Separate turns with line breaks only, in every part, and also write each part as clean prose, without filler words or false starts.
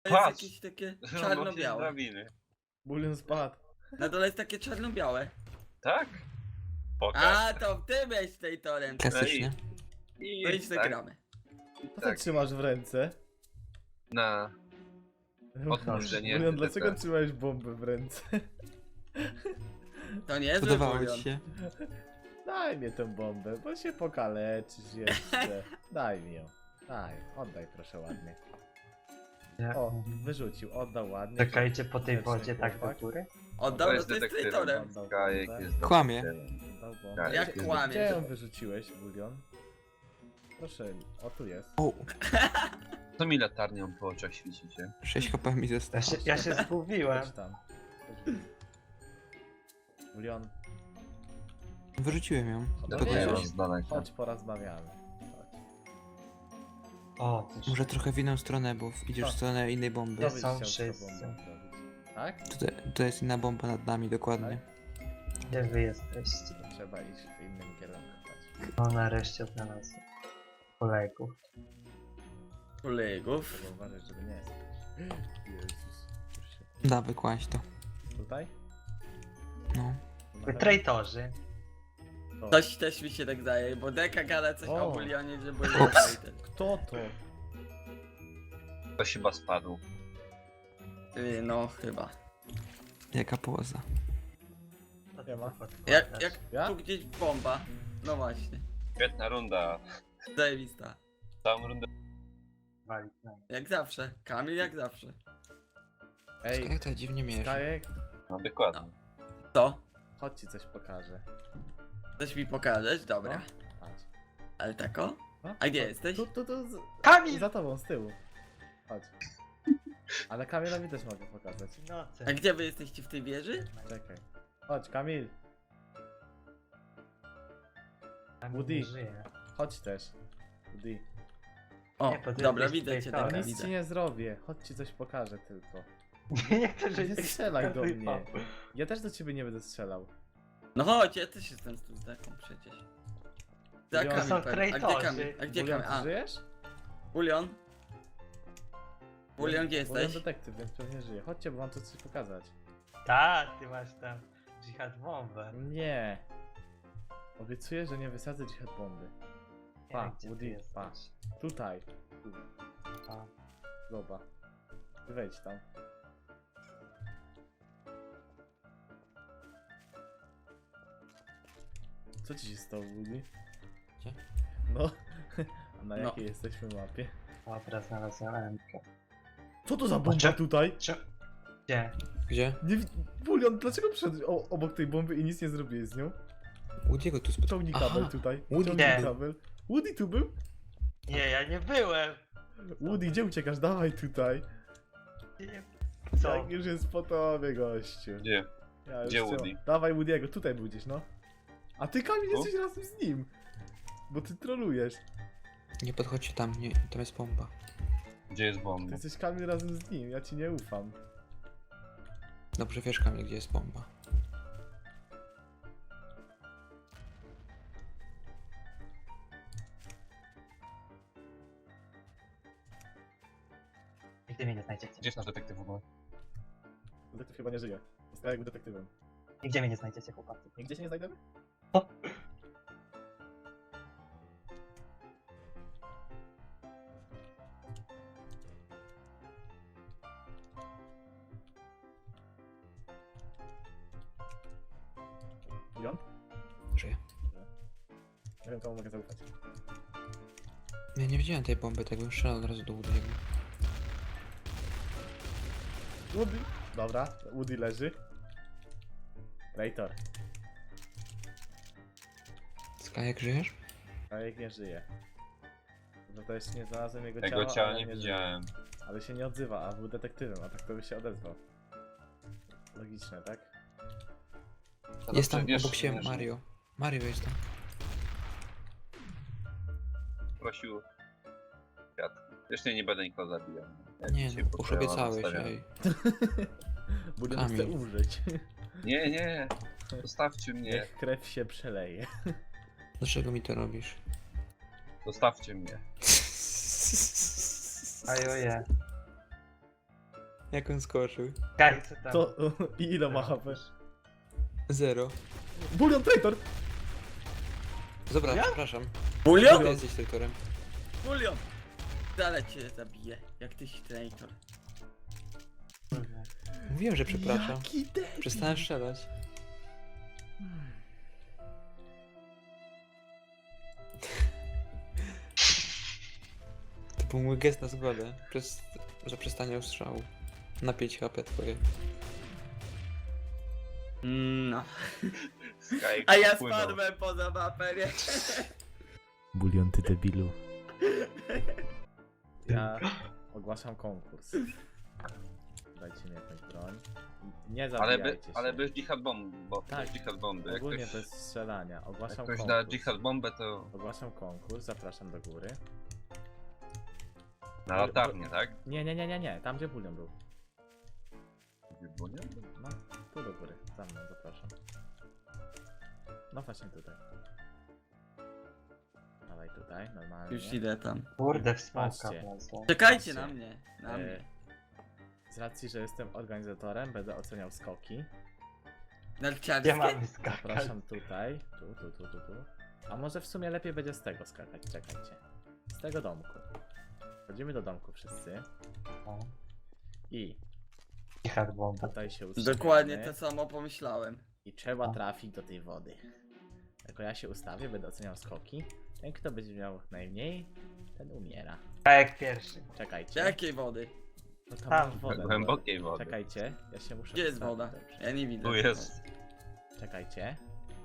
To jest
Patrz!
jakieś takie
Właśnie z
czarno-białe.
drabiny.
Bulion spadł.
Na dole jest takie czarno-białe.
Tak? Pokaż.
A, to ty byłeś tej torem.
Klasyczny.
I
To idź
tak,
zagramy.
Co ty
tak.
trzymasz w ręce?
Na... Odłóż, że nie.
Bulion, dlaczego
tak.
trzymałeś bombę w ręce?
To nie jest
Podobało
bulion.
ci się?
Daj mi tę bombę, bo się pokaleczysz jeszcze. Daj mi ją. Daj, oddaj proszę ładnie.
Jak
O,
mówi?
wyrzucił, oddał ładnie.
Czekajcie po tej
Grzeczny
wodzie tak do
chłopak.
góry?
Oddał, no to jest traitorem.
Oddał
Kajek
bombę.
jest
Kłamie.
detektywem.
Oddał bombę.
Tak,
Jak
jest
kłamie.
Gdzie
detektywem.
ją wyrzuciłeś, Bulion? Proszę, o tu jest.
O,
Co mi latarnią po oczach świecicie?
6 HP mi zostało.
Ja się zgubiłem.
Chodź tam. Bulion,
Wyrzuciłem ją.
Dobra,
Dodaję
chodź.
wam z daleka.
chodź porozmawiamy. Chodź.
O, też
Może trochę w inną stronę, bo idziesz w stronę innej bomby.
Co
Jest.
byś
są
chciał z tą
wszyscy.
bombą zrobić? Tak?
To jest inna bomba nad nami, dokładnie.
gdzie wy jesteście?
To trzeba iść w innym kierunku. Chodź.
No nareszcie odnalazłem kolegów.
Kolegów.
Trzeba uważać, żeby nie jest. Jezus. Już się...
Dawaj, kłaść to.
Tutaj?
No.
Wy traitorzy.
To.
Coś też mi się tak daje, bo Deka gada coś
O.
o bulionie, że
Ups.
bulion traitor.
Kto to?
Ktoś chyba spadł.
No chyba.
Jaka poza.
Nie ma.
Jak
Ja?
tu gdzieś bomba. No właśnie.
Świetna runda.
Zajebista.
Całą rundę.
Walić na mnie.
Jak zawsze. Kamil jak zawsze.
Ej,
Jak to dziwnie mierzy.
Kajek,
No dokładnie.
To?
chodź ci coś pokażę.
Coś mi pokażesz? Dobra.
No. Chodź.
Ale tako?
No,
A gdzie
chodź.
jesteś?
Tu,
Kamil!
za tobą, z tyłu. Chodź. Ale Kamilowi też mogę pokazać.
No co?
A gdzie wy jesteście w tej wieży?
Czekaj. Chodź, Kamil.
Kamil
Woody.
nie żyje.
Chodź też. Woody.
O,
Nie, bo ty
dobra,
jesteś
widzę cię,
traitorem.
dobra,
Nic
widzę.
ci nie zrobię. Chodź ci coś pokażę tylko.
Nie chcę żyć.
Nie strzelaj do mnie. Ja też do ciebie nie będę strzelał.
No chodź, ja też jestem tu z Deką przecież. Za
Bulion.
Kamil
Są
pewnie. A gdzie
traitorzy.
Kamil? A gdzie
Bulion,
Kamil?
ty
A,
żyjesz?
Bulion? Bulion, gdzie
Bulion
jesteś?
detektyw, więc pewnie żyje. Chodźcie, bo mam tu coś pokazać.
Tak, ty masz tam dżihad bombę.
Nie. Obiecuję, że nie wysadzę dźwięk bomby.
Nie
Pa,
wiem, gdzie ty
Woody,
jesteś.
pa. Tutaj. Tu.
A.
Zobacz. Ty wejdź tam. Co ci się stało, Woody?
Gdzie?
No. A na
No.
jakiej jesteśmy mapie?
Dobra, znalazłem Emkę.
Co to za bomba
Cze-
tutaj?
Gdzie?
Gdzie?
Nie Bulion, dlaczego przyszedłeś obok tej bomby i nic nie zrobiłeś z nią?
Woody'ego tu spotkał.
Ciągnij kabel
Aha.
tutaj.
Woody
Ciągnij
był.
kabel. Woody tu był?
Nie, ja nie byłem!
Woody, gdzie uciekasz? Dawaj tutaj.
Nie. Co?
Jak już jest po tobie, gościu.
Gdzie?
Ja już
Gdzie
chciałem-
Woody?
Dawaj Woody'ego, tutaj był gdzieś, no. A ty, Kamil,
Tu?
jesteś razem z nim. Bo ty trolujesz.
Nie podchodźcie tam, nie, tam jest bomba.
Gdzie jest
Ty
bomba?
jesteś, Kamil, razem z nim. Ja ci nie ufam.
Dobrze wiesz, Kamil, gdzie jest bomba.
Nigdy mnie nie znajdziecie.
Gdzie jest nasz detektyw w ogóle?
Detektyw chyba nie żyje. Zostaje jakby detektywem.
Nigdzie mnie nie znajdziecie, chłopacy.
Nigdzie się nie znajdziemy?
O!
Bulion?
Żyje.
Nie wiem, komu mogę zaufać.
Ja nie widziałem tej bomby, tak bym strzelał od razu do Woody'ego.
Woody. Dobra, Woody leży. Traitor.
Skajek, żyjesz?
Kajek nie żyje. No to jeszcze nie znalazłem jego
Tego
ciała,
ciała
ale
nie
żyje.
widziałem.
Ale się nie odzywa, a był detektywem, a tak to by się odezwał. Logiczne, tak?
Jest tam
Wiesz,
obok siebie
wiesz,
Mario. Mario jest tam.
Prosił kwiat. Zresztą nie będę nikogo zabijał. Jak
Nie
się
no, już
potrzeba,
obiecałeś,
zostawiam.
ej.
Bulion
Kamil.
chce umrzeć.
Nie, nie. Zostawcie mnie.
Niech krew się przeleje.
Dlaczego mi to robisz?
Zostawcie mnie.
Ajoje.
Jak on skoczył.
Kaj, co tam?
To i ile ma HP?
0.
Bulion traitor!
Dobra, przepraszam.
Bulion?
Ty jesteś traitorem.
Bulion! Dalej cię zabiję, jak tyś traitor.
Mówiłem, że przepraszam.
Jaki debil.
Przestałem strzelać. To był mój gest na zgodę. Za przestanie ostrzału. Na 5 HP twoje.
No.
Sky
A ja
wpłynął.
spadłem poza mapę, nie?
Bulion, ty debilu. Ja ogłaszam konkurs. Dajcie mi jakąś broń. Nie zabijajcie się.
Ale bez dżihad bomby, bo
Tak.
bez dżihad bomby. Jak
Ogólnie
ktoś,
bez strzelania.
jak
Ogłaszam
ktoś da
konkurs.
dżihad bombę, to
Ogłaszam konkurs, zapraszam do góry.
na latarnię, tak?
Nie. Tam gdzie bulion był.
Bulion?
No, tu do góry. Za mną, zapraszam. No właśnie tutaj. Dawaj tutaj, normalnie.
Już idę tam.
Kurde, w smoka
Patrzcie.
wlazłem.
Czekajcie
Patrzcie.
na mnie. Na
E,
mnie.
Z racji, że jestem organizatorem, będę oceniał skoki.
Gdzie
Narciarskie?
mamy skakać?
Zapraszam tutaj. Tu. A może w sumie lepiej będzie z tego skakać, czekajcie. Z tego domku. Wchodzimy do domku wszyscy.
O,
I
Dżihad bomba.
tutaj się ustawiamy.
Dokładnie to samo pomyślałem.
I trzeba trafić do tej wody. Jako ja się ustawię, będę oceniał skoki. Ten, kto będzie miał najmniej, ten umiera.
Kajek pierwszy.
Czekajcie.
Jakiej wody?
No tam
Tam,
masz wodę.
Głębokiej wody.
Czekajcie, ja się muszę
Gdzie jest
ustawić.
woda?
Dobrze.
Ja nie widzę.
Tu jest.
Czekajcie.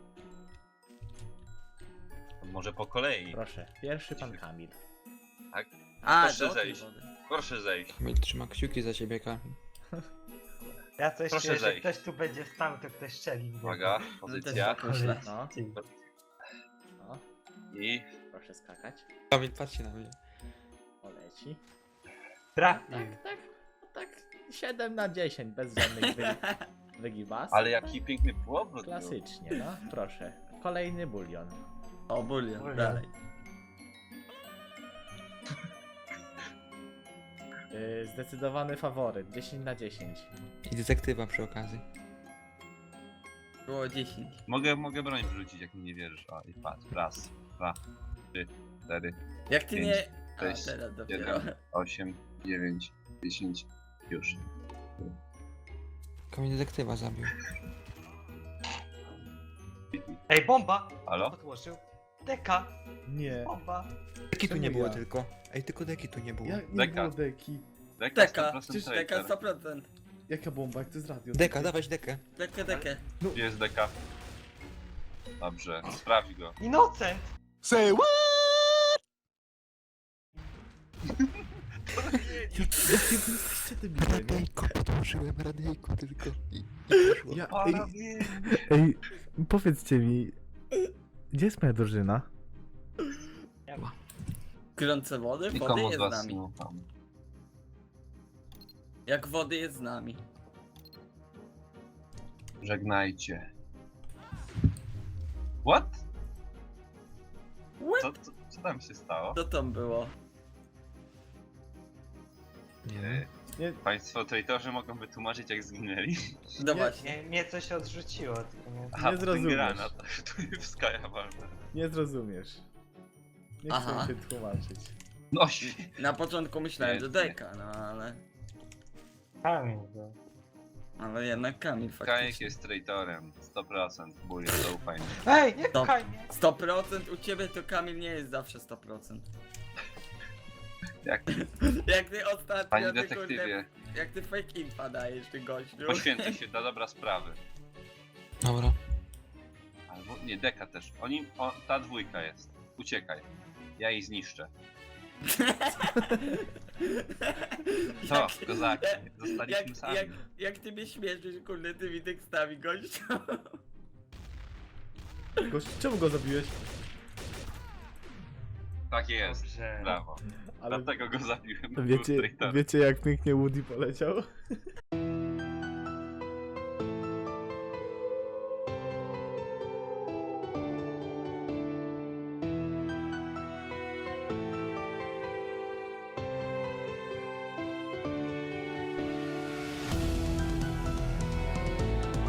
Może po kolei.
Proszę, pierwszy pan Kamil.
Tak?
A,
Proszę
do tej
zejść.
wody.
Proszę zejść.
Kamil trzyma kciuki za ciebie, Kamil.
Ja coś
Proszę
czuję, że
zejść.
ktoś tu będzie stał, to ktoś strzeli. w niego.
Uwaga,
Też
pozycja.
tak myślę.
No,
Ty.
no,
I
proszę skakać.
Kamil, patrzcie na mnie.
Poleci.
Trafił.
Tak, 7 na 10, bez żadnych wygibasów.
ale jaki piękny półobrót był.
Klasycznie, no, proszę. Kolejny bulion.
O, bulion,
Bulion.
dalej.
Zdecydowany faworyt, 10 na 10.
I detektywa przy okazji.
Było 10.
Mogę broń wrzucić, jak mi nie wierzysz. O, i patrz. Raz, 2, 3, 4,
Jak ty
5,
nie... A,
6,
teraz dopiero.
7, 8, 9, 10. Już.
Kamil detektywa zabił.
Ej, bomba!
Halo?
Odłożył. Deka!
Nie.
Bomba!
Deki tu
Czemu
nie było
ja?
tylko. Ej, tylko deki tu nie było.
Jak nie
Deka.
było deki?
Deka,
100%
przecież deka
traitor.
100%.
Jaka bomba, jak to jest radio?
Deka, dawać dekę.
Dekę.
Gdzie jest deka? Dobrze, sprawdź go.
Innocent!
Jakie wy jesteście debile, nie?
podłożyłem radyjko tylko i poszło.
Ja,
Panowie!
ej, powiedzcie mi, gdzie jest moja drużyna?
Gorące wody? Wody
Nikomu z
jest z
was
nami.
nie ufam.
Jak wody jest z nami.
Żegnajcie. What?
What?
Co tam się stało?
Co tam było?
Nie.
Nie,
Państwo traitorzy mogą wytłumaczyć, jak zginęli?
No
Nie,
właśnie.
Mnie coś odrzuciło, tylko nie...
Aha,
Nie
to ten
zrozumiesz.
granat, to w Sky'a walne.
nie zrozumiesz. Nie chcę
Aha.
mi się tłumaczyć.
No
Na początku myślałem,
Nie,
że
nie.
deka, no ale...
Kamień był.
Ale jednak Kamil
Kajek
faktycznie.
jest traitorem. 100%. Bulion, zaufaj mi.
Ej, nie
To-
pchaj mnie!
100% u ciebie to Kamil nie jest zawsze 100%.
Jak
Jak ty ostatnio,
Panie
ty
detektywie,
kurde, jak ty fake infa dajesz, ty gościu.
poświęcę się dla dobra sprawy.
Dobra.
Albo nie, deka też. Ta dwójka jest. Uciekaj. Ja jej zniszczę. Co, kozaki? Zostaliśmy sami.
jak ty mnie śmieszysz, kurde, tymi tekstami, gościu.
Gość, czemu go zabiłeś?
Tak jest.
Dobrze.
Brawo.
Ale
Dlatego go zabiłem. Był traitorem.
wiecie jak pięknie Woody poleciał?